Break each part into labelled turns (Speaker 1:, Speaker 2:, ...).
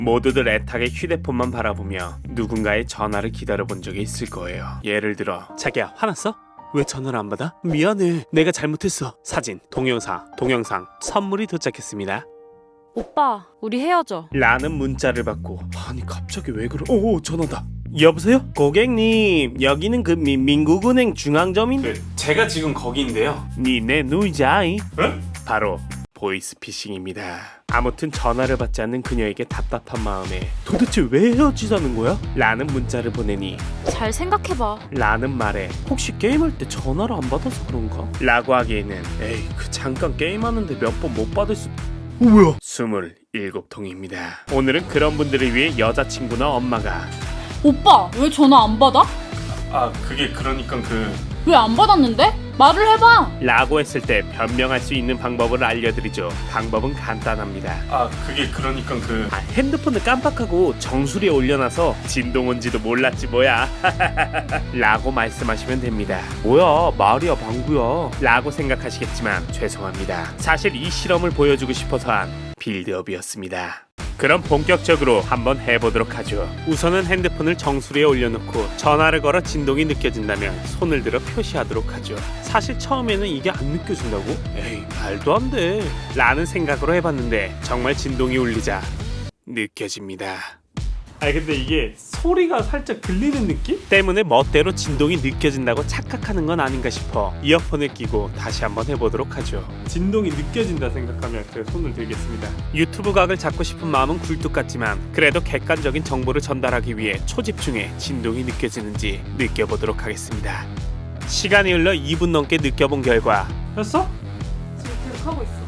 Speaker 1: 모두들 애타게 휴대폰만 바라보며 누군가의 전화를 기다려본 적이 있을 거예요. 예를 들어, 자기야 화났어? 왜 전화를 안 받아? 미안해, 내가 잘못했어. 사진, 동영상, 선물이 도착했습니다
Speaker 2: 오빠, 우리 헤어져.
Speaker 1: 라는 문자를 받고, 아니 갑자기 왜 그러... 오, 전화다. 여보세요? 고객님, 여기는 그 민국은행 중앙점인데... 제가 지금 거기인데요. 니네 누이자이? 바로 보이스피싱입니다. 아무튼 전화를 받지 않는 그녀에게 답답한 마음에 도대체 왜 헤어지자는 거야? 라는 문자를 보내니
Speaker 2: 잘 생각해봐.
Speaker 1: 라는 말에 혹시 게임할 때 전화를 안 받아서 그런가? 라고 하기에는 에이 그 잠깐 게임하는데 몇 번 못 받을 수... 뭐야? 27통입니다. 오늘은 그런 분들을 위해 여자친구나 엄마가
Speaker 2: 오빠, 왜 전화 안 받아?
Speaker 1: 그게 그러니까
Speaker 2: 왜 안 받았는데? 말을 해봐.
Speaker 1: 라고 했을 때 변명할 수 있는 방법을 알려드리죠. 방법은 간단합니다. 그게 그러니까 핸드폰을 깜빡하고 정수리에 올려놔서 진동 온지도 몰랐지 뭐야. 라고 말씀하시면 됩니다. 뭐야 말이야 방구야 라고 생각하시겠지만 죄송합니다. 사실 이 실험을 보여주고 싶어서 한 빌드업이었습니다. 그럼 본격적으로 한번 해보도록 하죠. 우선은 핸드폰을 정수리에 올려놓고 전화를 걸어 진동이 느껴진다면 손을 들어 표시하도록 하죠. 사실 처음에는 이게 안 느껴진다고? 에이 말도 안 돼 라는 생각으로 해봤는데 정말 진동이 울리자 느껴집니다. 아니 근데 이게 소리가 살짝 들리는 느낌? 때문에 멋대로 진동이 느껴진다고 착각하는 건 아닌가 싶어 이어폰을 끼고 다시 한번 해보도록 하죠. 진동이 느껴진다 생각하면 제가 손을 들겠습니다. 유튜브 각을 잡고 싶은 마음은 굴뚝 같지만 그래도 객관적인 정보를 전달하기 위해 초집중해 진동이 느껴지는지 느껴보도록 하겠습니다. 시간이 흘러 2분 넘게 느껴본 결과 했어?
Speaker 2: 지금 계속 하고 있어.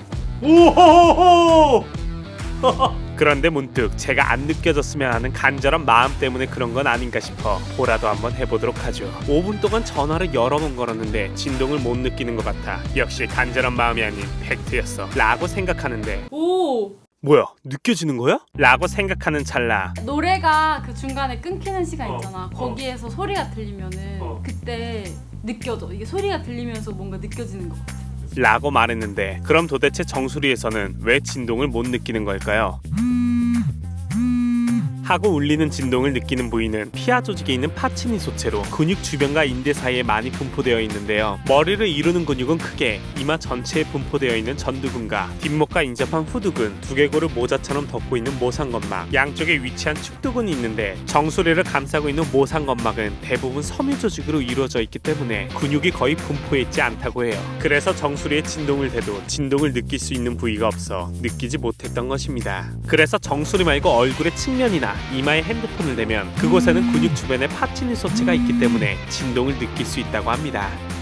Speaker 1: 오호호호! 그런데 문득 제가 안 느껴졌으면 하는 간절한 마음 때문에 그런 건 아닌가 싶어 보라도 한번 해보도록 하죠. 5분 동안 전화를 여러 번 걸었는데 진동을 못 느끼는 것 같아 역시 간절한 마음이 아닌 팩트였어 라고 생각하는데
Speaker 2: 오!
Speaker 1: 뭐야 느껴지는 거야? 라고 생각하는 찰나
Speaker 2: 노래가 그 중간에 끊기는 시간 있잖아. 거기에서 소리가 들리면은 그때 느껴져. 이게 소리가 들리면서 뭔가 느껴지는 것 같아.
Speaker 1: 라고 말했는데 그럼 도대체 정수리에서는 왜 진동을 못 느끼는 걸까요? 하고 울리는 진동을 느끼는 부위는 피하 조직에 있는 파치니 소체로 근육 주변과 인대 사이에 많이 분포되어 있는데요. 머리를 이루는 근육은 크게 이마 전체에 분포되어 있는 전두근과 뒷목과 인접한 후두근, 두개골을 모자처럼 덮고 있는 모상건막, 양쪽에 위치한 축두근이 있는데 정수리를 감싸고 있는 모상건막은 대부분 섬유 조직으로 이루어져 있기 때문에 근육이 거의 분포해 있지 않다고 해요. 그래서 정수리에 진동을 대도 진동을 느낄 수 있는 부위가 없어 느끼지 못했던 것입니다. 그래서 정수리 말고 얼굴의 측면이나 이마에 핸드폰을 대면 그곳에는 근육 주변에 파치니 소체가 있기 때문에 진동을 느낄 수 있다고 합니다.